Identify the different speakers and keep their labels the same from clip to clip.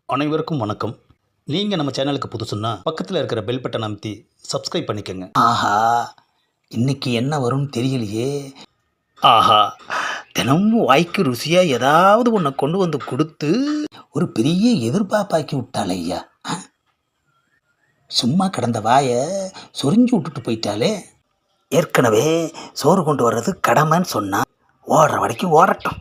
Speaker 1: அனைவருக்கும் வணக்கம். நீங்கள் நம்ம சேனலுக்கு புதுசுன்னா பக்கத்தில் இருக்கிற பெல் பட்டன் அமைத்தி சப்ஸ்கிரைப் பண்ணிக்கோங்க.
Speaker 2: ஆஹா, இன்னைக்கு என்ன வரும்னு தெரியலையே.
Speaker 1: ஆஹா,
Speaker 2: தினமும் வாய்க்கு ருசியாக ஏதாவது ஒன்றை கொண்டு வந்து கொடுத்து ஒரு பெரிய எதிர்பார்ப்பாக்கி விட்டாளே ஐயா. சும்மா கிடந்த வாயை சொரிஞ்சு விட்டுட்டு போயிட்டாலே. ஏற்கனவே சோறு கொண்டு வர்றது கடமைன்னு சொன்னா ஓடுற வரைக்கும் ஓடட்டும்.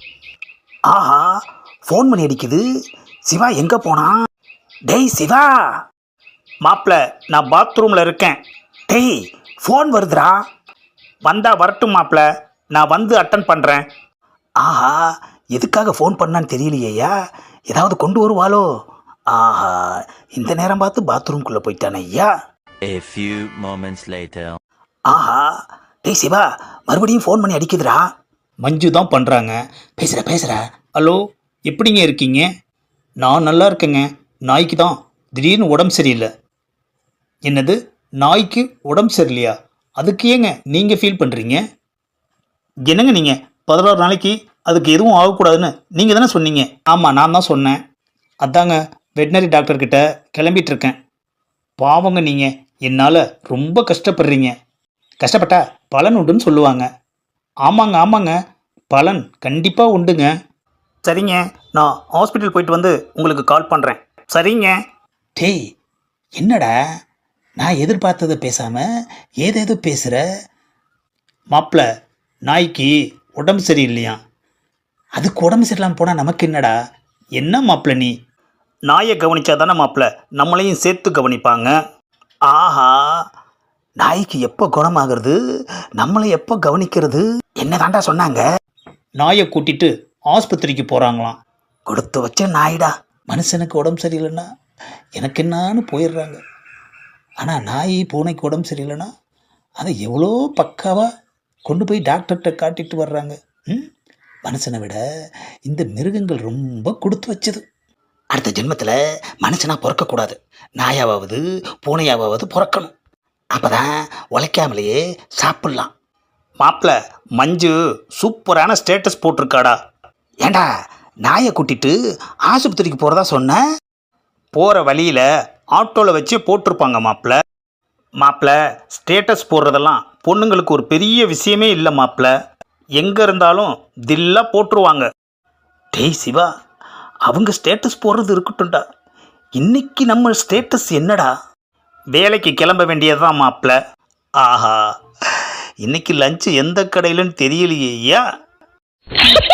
Speaker 2: ஆஹா, ஃபோன் பண்ணி அடிக்குது. சிவா எங்கே போனான்? டேய் சிவா.
Speaker 1: மாப்பிள்ள, நான் பாத்ரூமில் இருக்கேன்.
Speaker 2: டேய், ஃபோன் வருதுடா.
Speaker 1: வந்தா வரட்டும் மாப்பிள்ள, நான் வந்து அட்டன் பண்ணுறேன்.
Speaker 2: ஆஹா, எதுக்காக ஃபோன் பண்ணான்னு தெரியலையா? ஏதாவது கொண்டு வருவாளோ? ஆஹா, இந்த நேரம் பார்த்து பாத்ரூம்குள்ளே போயிட்டானே ஐயா.
Speaker 3: A few moments later.
Speaker 2: ஆஹா, டேய் சிவா, மறுபடியும் ஃபோன் பண்ணி அடிக்குதுடா.
Speaker 1: மஞ்சு தான் பண்ணுறாங்க.
Speaker 2: பேசுகிற.
Speaker 1: ஹலோ, எப்படிங்க இருக்கீங்க? நான் நல்லா இருக்கேங்க. நாய்க்கு தான் திடீர்னு உடம்பு சரியில்லை. என்னது, நாய்க்கு உடம்பு சரியில்லையா? அதுக்கு ஏங்க நீங்கள் ஃபீல் பண்ணுறீங்க? என்னங்க நீங்கள் 16 நாளைக்கு அதுக்கு எதுவும் ஆகக்கூடாதுன்னு நீங்கள் தானே சொன்னீங்க. ஆமாம், நான் தான் சொன்னேன். அதாங்க வெட்டினரி டாக்டர்கிட்ட கிளம்பிகிட்ருக்கேன். பாவங்க நீங்கள், என்னால் ரொம்ப கஷ்டப்படுறீங்க. கஷ்டப்பட்டா பலன் உண்டுன்னு சொல்லுவாங்க. ஆமாங்க, பலன் கண்டிப்பாக உண்டுங்க. சரிங்க, நான் ஹாஸ்பிட்டல் போயிட்டு வந்து உங்களுக்கு கால் பண்ணுறேன். சரிங்க.
Speaker 2: டேய், என்னடா நான் எதிர்பார்த்ததை பேசாமல் ஏதேதோ பேசுகிற?
Speaker 1: மாப்பிள்ள, நாய்க்கு உடம்பு சரியில்லையா?
Speaker 2: அதுக்கு உடம்பு சரியில்லாமல் போனால் நமக்கு என்னடா?
Speaker 1: என்ன மாப்பிள்ள நீ? நாயை கவனிச்சா தானே மாப்பிள்ள நம்மளையும் சேர்த்து கவனிப்பாங்க.
Speaker 2: ஆஹா, நாய்க்கு எப்போ குணமாகிறது, நம்மளை எப்போ கவனிக்கிறது? என்ன தாண்டா சொன்னாங்க?
Speaker 1: நாயை கூட்டிட்டு ஆஸ்பத்திரிக்கு போகிறாங்களாம்.
Speaker 2: கொடுத்து வச்ச நாய்டா. மனுஷனுக்கு உடம்பு சரியில்லைன்னா எனக்கு என்னான்னு போயிடுறாங்க. ஆனால் நாய் பூனைக்கு உடம்பு சரியில்லைன்னா அதை எவ்வளோ பக்காவாக கொண்டு போய் டாக்டர்கிட்ட காட்டிட்டு வர்றாங்க. மனுஷனை விட இந்த மிருகங்கள் ரொம்ப கொடுத்து வச்சது. அடுத்த ஜென்மத்தில் மனுஷனாக பிறக்கக்கூடாது, நாயாவது பூனையாவது பிறக்கணும். அப்போ தான் உழைக்காமலேயே சாப்பிட்லாம்.
Speaker 1: மாப்பிள்ள, மஞ்சு சூப்பரான ஸ்டேட்டஸ் போட்டிருக்காடா.
Speaker 2: ஏண்டா, நாயை கூட்டிட்டு ஆஸ்பத்திரிக்கு போகிறதா சொன்ன?
Speaker 1: போகிற வழியில் ஆட்டோவில் வச்சு போட்டிருப்பாங்க மாப்பிள்ள. ஸ்டேட்டஸ் போடுறதெல்லாம் பொண்ணுங்களுக்கு ஒரு பெரிய விஷயமே இல்லை மாப்பிள்ள. எங்கே இருந்தாலும் தில்லாக போட்டுருவாங்க.
Speaker 2: டேய் சிவா, அவங்க ஸ்டேட்டஸ் போடுறது இருக்கட்டும்டா. இன்னைக்கு நம்ம ஸ்டேட்டஸ் என்னடா?
Speaker 1: வேலைக்கு கிளம்ப வேண்டியதுதான் மாப்பிள்ள. ஆஹா, இன்னைக்கு லஞ்சு எந்த கடையிலன்னு தெரியலையே ஐயா.